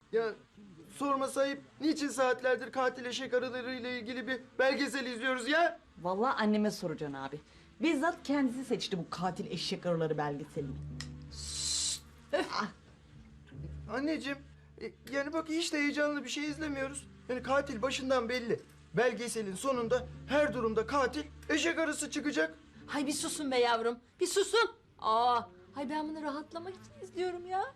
Ya sorma sayıp niçin saatlerdir katil eşek arılarıyla ilgili bir belgesel izliyoruz ya? Vallahi anneme soracaksın abi. Bizzat kendisi seçti bu katil eşek arıları belgeselini. Anneciğim, yani bak hiç de heyecanlı bir şey izlemiyoruz. Yani katil başından belli. Belgeselin sonunda her durumda katil eşek arısı çıkacak. Hay bir susun be yavrum. Bir susun. Hay ben bunu rahatlamak için izliyorum ya.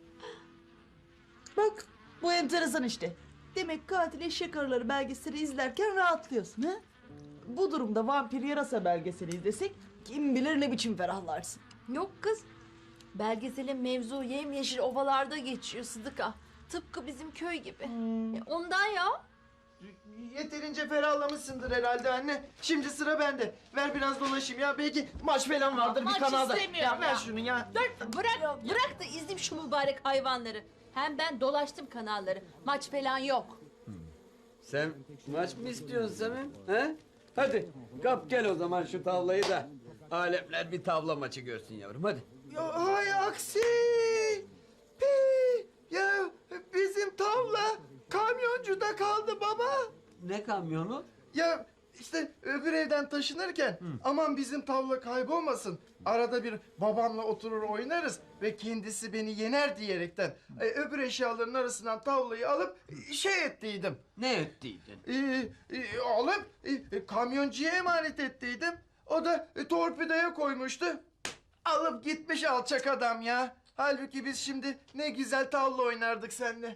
Bak bu enteresan işte. Demek katil eşek arıları belgeseli izlerken rahatlıyorsun ha? Bu durumda vampir yarasa belgeseli izlesek kim bilir ne biçim ferahlarsın. Yok kız. Belgeselin mevzu yemyeşil ovalarda geçiyor Sıdıka. Tıpkı bizim köy gibi. Ondan ya. Yeterince ferahlamışsındır herhalde anne. Şimdi sıra bende. Ver biraz dolaşayım ya. Belki maç falan vardır Maç bir kanalda. istemiyorum Ya ver ya. şunu ya. Dur bırak da izleyeyim şu mübarek hayvanları. Hem ben dolaştım kanalları. Maç falan yok. Sen maç mı istiyorsun Samim? He? Hadi kap gel o zaman şu tavlayı da alemler bir tavla maçı görsün yavrum hadi. Ya hay aksi. Pi. Ya bizim tavla kamyoncuda kaldı baba. Ne kamyonu? Ya işte öbür evden taşınırken aman bizim tavla kaybolmasın. Arada bir babamla oturur oynarız ve kendisi beni yener diyerekten öbür eşyaların arasından tavlayı alıp şey ettiydim. Ne ettiydin? Alıp kamyoncuya emanet ettiydim. O da torpidoya koymuştu. Alıp gitmiş alçak adam ya. Halbuki biz şimdi ne güzel tavla oynardık seninle.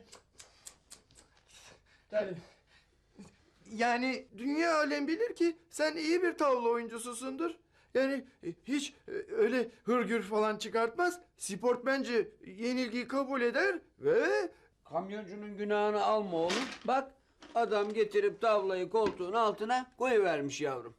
Tabii. Yani dünya alem bilir ki sen iyi bir tavla oyuncususundur. Yani hiç öyle hırgür falan çıkartmaz. Sport bence yenilgiyi kabul eder ve... Kamyoncunun günahını alma oğlum. Bak adam getirip tavlayı koltuğun altına koyuvermiş yavrum.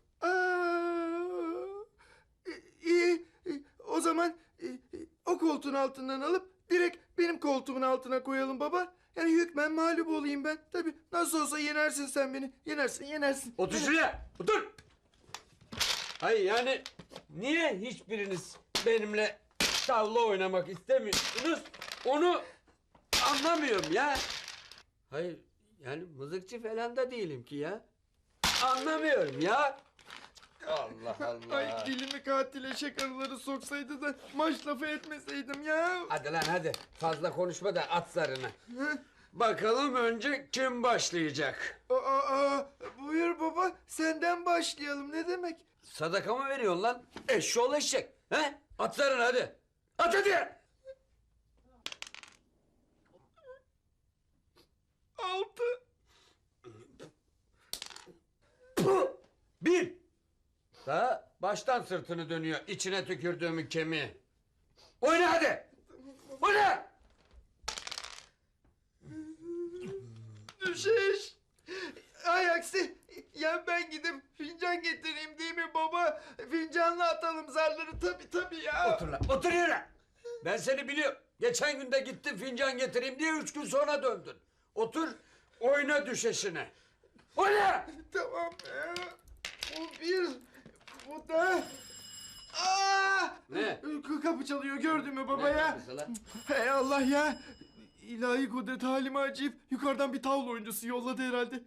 İyi. O zaman o koltuğun altından alıp direkt benim koltuğumun altına koyalım baba. Yani hükmen mağlup olayım ben. Tabii nasıl olsa yenersin sen beni. Yenersin. Otur şuraya otur. Hayır yani niye hiçbiriniz benimle tavla oynamak istemiyorsunuz? Onu anlamıyorum ya. Hayır yani mızıkçı falan da değilim ki ya. Anlamıyorum ya. Allah Allah. Ay dilimi katil eşek arıları soksaydı da maç lafı etmeseydim ya. Hadi lan hadi fazla konuşma da at zarını. Bakalım önce kim başlayacak? Buyur baba senden başlayalım ne demek? Sadaka mı veriyorsun lan? Eşşoğlu eşek. He? At zarını hadi. At hadi. 6. Puh! 1. Daha baştan sırtını dönüyor içine tükürdüğümün kemiği. Oyna hadi. Oyna. Düşeş. Ay aksi. Ya ben gidip fincan getireyim değil mi baba? Fincanla atalım zarları tabii ya. Otur lan otur yere. Ben seni biliyorum. Geçen gün de gittin fincan getireyim diye 3 gün sonra döndün. Otur oyna düşeşine. Oyna. Tamam ya. Bu bir. Bu da. Ne? Kapı çalıyor gördün mü baba Ne ya? kapısı lan? Hey Allah ya. İlahi kudret halime acıyıp yukarıdan bir tavla oyuncusu yolladı herhalde.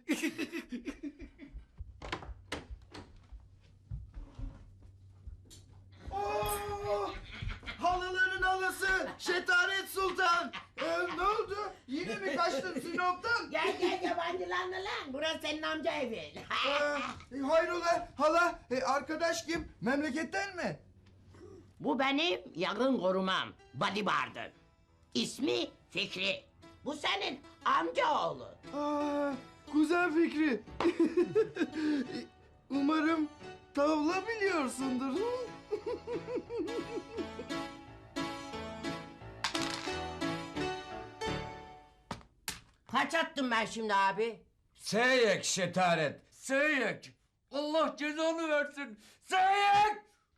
Oo! Halıların halısı Şetaret Sultan. Ne oldu? Yine mi kaçtın Sinop'tan? Gel yabancılarla lan. Burası senin amca evi. Hayrola hala arkadaş kim? Memleketten mi? Bu benim yakın korumam. Bodyguard'ım. İsmi Fikri. Bu senin amcaoğlu. Kuzen Fikri. Umarım tavla biliyorsundur. Kaç attım ben şimdi abi? Seyek şetaret. Seyek. Allah cezanı versin. Seyek.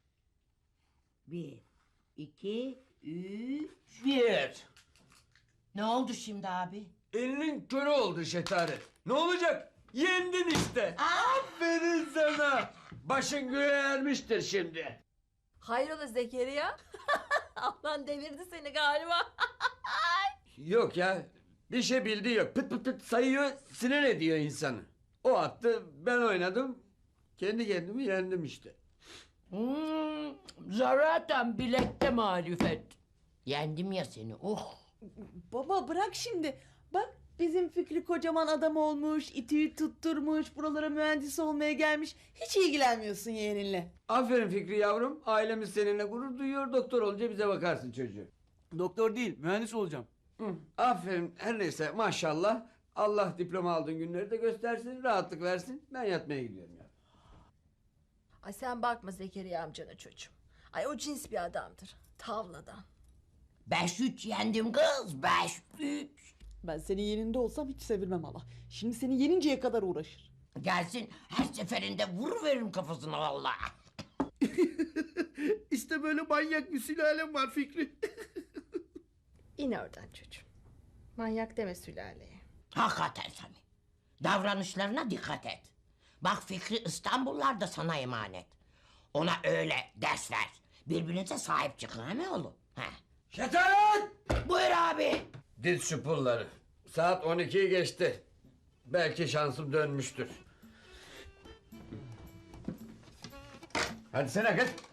1, 2, 3. 1. Ne oldu şimdi abi? Elinin körü oldu şetaret. Ne olacak? Yendin işte. Aferin sana. Başın göğe ermiştir şimdi. Hayrola Zekeriya? Allah'ın devirdi seni galiba. Yok ya. Bir şey bildiği yok. Pıt pıt pıt sayıyor, sinir ediyor insanı. O attı, ben oynadım. Kendi kendimi yendim işte. Zaten bilekte marifet. Yendim ya seni. Oh. Baba bırak şimdi. Bak bizim Fikri kocaman adam olmuş, İTÜ'yü tutturmuş, buralara mühendis olmaya gelmiş. Hiç ilgilenmiyorsun yeğeninle. Aferin Fikri yavrum. Ailemiz seninle gurur duyuyor. Doktor olunca bize bakarsın çocuğum. Doktor değil, mühendis olacağım. Hı, aferin. Her neyse maşallah. Allah diploma aldığın günleri de göstersin. Rahatlık versin. Ben yatmaya gidiyorum ya. Ay sen bakma Zekeriya amcana çocuğum. Ay o cins bir adamdır. Tavladan. 5-3 yendim kız. 5-3. Ben senin yerinde olsam hiç sevilmem hala. Şimdi seni yeninceye kadar uğraşır. Gelsin her seferinde vuruveririm kafasına vallahi. İşte böyle manyak bir sülalem var Fikri. İn oradan çocuğum. Manyak deme sülaleye. Hakikaten Sami. Davranışlarına dikkat et. Bak Fikri İstanbullar da sana emanet. Ona öyle ders ver. Birbirinize sahip çıkın he mi oğlum? He. Şetat! Buyur abi. Diz şu pulları. Saat 12'yi geçti. Belki şansım dönmüştür. Hadi sen kız.